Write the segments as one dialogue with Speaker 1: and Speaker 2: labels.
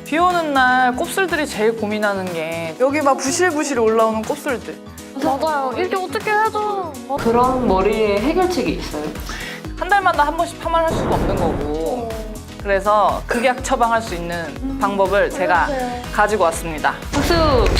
Speaker 1: 비 오는 날 곱슬들이 제일 고민하는 게 여기 막 부실부실 올라오는 곱슬들.
Speaker 2: 맞아요. 이렇게 어떻게 해줘.
Speaker 3: 그런 머리에 해결책이 있어요?
Speaker 1: 한 달마다 한 번씩 파마를 할 수가 없는 거고. 그래서 극약 처방할 수 있는 방법을 제가 가지고 왔습니다.
Speaker 3: 박수!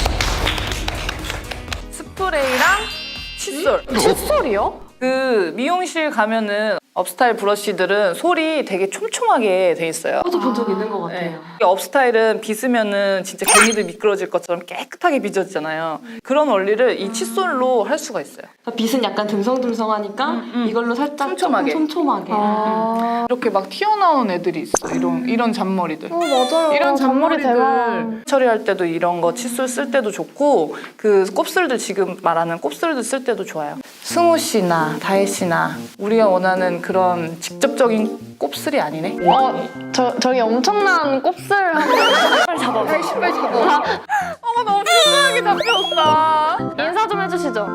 Speaker 1: 스프레이랑 칫솔.
Speaker 2: 칫솔이요?
Speaker 1: 그 미용실 가면은 업스타일 브러쉬들은 솔이 되게 촘촘하게 돼 있어요.
Speaker 3: 저도 본 적 있는 것
Speaker 1: 네.
Speaker 3: 같아요.
Speaker 1: 업스타일은 빗으면은 진짜 개미들 미끄러질 것처럼 깨끗하게 빗어지잖아요. 그런 원리를 이 칫솔로 할 수가 있어요.
Speaker 3: 빗은 약간 듬성듬성하니까 이걸로 살짝
Speaker 1: 촘촘하게.
Speaker 3: 조금 촘촘하게.
Speaker 1: 이렇게 막 튀어나온 애들이 있어. 이런 잔머리들.
Speaker 2: 맞아요.
Speaker 1: 이런
Speaker 2: 잔머리
Speaker 1: 잔머리들
Speaker 2: 대박.
Speaker 1: 처리할 때도 이런 거 칫솔 쓸 때도 좋고 그 곱슬들 지금 말하는 곱슬들 쓸 때도 좋아요. 승우 씨나 다혜 씨나 우리가 원하는 그런 직접적인 곱슬이 아니네.
Speaker 2: 저기 엄청난 곱슬 빨리 잡아.
Speaker 1: 빨리 잡아. 어머 너무 편하게 잡혔다.
Speaker 2: 인사 좀 해주시죠.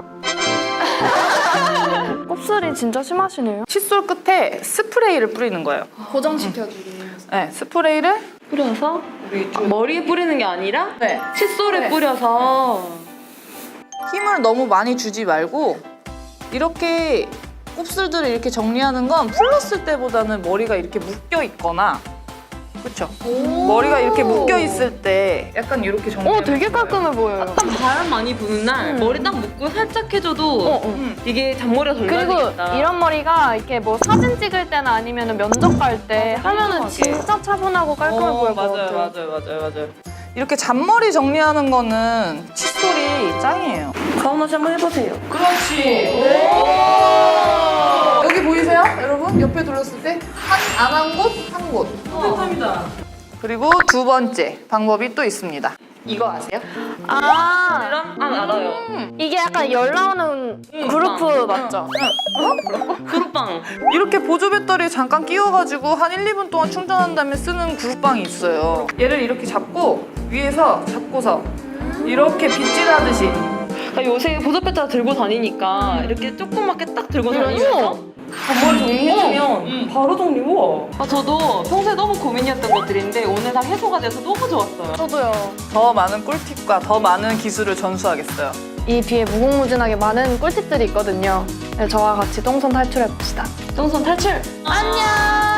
Speaker 2: 곱슬이 진짜 심하시네요.
Speaker 1: 칫솔 끝에 스프레이를 뿌리는 거예요.
Speaker 2: 고정시켜주기.
Speaker 1: 네, 스프레이를
Speaker 3: 뿌려서
Speaker 1: 우리 좀
Speaker 3: 머리에 뿌리는 게 아니라
Speaker 1: 네.
Speaker 3: 칫솔에
Speaker 1: 네.
Speaker 3: 뿌려서
Speaker 1: 힘을 너무 많이 주지 말고 이렇게 곱슬들을 이렇게 정리하는 건 풀렀을 때보다는 머리가 이렇게 묶여 있거나 그렇죠? 머리가 이렇게 묶여 있을 때 약간 이렇게 정리.
Speaker 2: 되게 깔끔해 보여요.
Speaker 3: 약간 바람 많이 부는 날 머리 딱 묶고 살짝 해줘도 이게 잔머리가 덜
Speaker 2: 그리고
Speaker 3: 나니까.
Speaker 2: 이런 머리가 이렇게 뭐 사진 찍을 때나 아니면 면접 갈 때 하면은
Speaker 3: 깔끔하게.
Speaker 2: 진짜 차분하고 깔끔해 보일 것 같아요.
Speaker 1: 맞아요. 이렇게 잔머리 정리하는 거는 칫솔이 짱이에요.
Speaker 3: 가오나 씨 한번 해보세요.
Speaker 1: 그렇지. 여기 보이세요? 여러분? 옆에 둘렀을 때 안 한 곳, 한 곳.
Speaker 3: 감사합니다.
Speaker 1: 그리고 두 번째 방법이 또 있습니다. 이거 아세요?
Speaker 3: 알아요.
Speaker 2: 이게 약간 열 나오는 그루프 맞죠?
Speaker 3: 그룹빵.
Speaker 1: 이렇게 보조 배터리 잠깐 끼워가지고 한 1, 2분 동안 충전한 다음에 쓰는 그룹빵이 있어요. 얘를 이렇게 잡고 위에서 잡고서 이렇게 빗질하듯이
Speaker 3: 요새 보조배터리 들고 다니니까 이렇게 조그맣게 딱 들고 다니면서 잔머리 정리해주면 바로 정리. 우와. 저도 평소에 너무 고민이었던 것들인데 오늘 다 해소가 돼서 너무 좋았어요.
Speaker 2: 저도요.
Speaker 1: 더 많은 꿀팁과 더 많은 기술을 전수하겠어요.
Speaker 2: 이 뒤에 무궁무진하게 많은 꿀팁들이 있거든요. 네, 저와 같이 똥손 탈출해봅시다.
Speaker 3: 똥손 탈출!
Speaker 2: 안녕!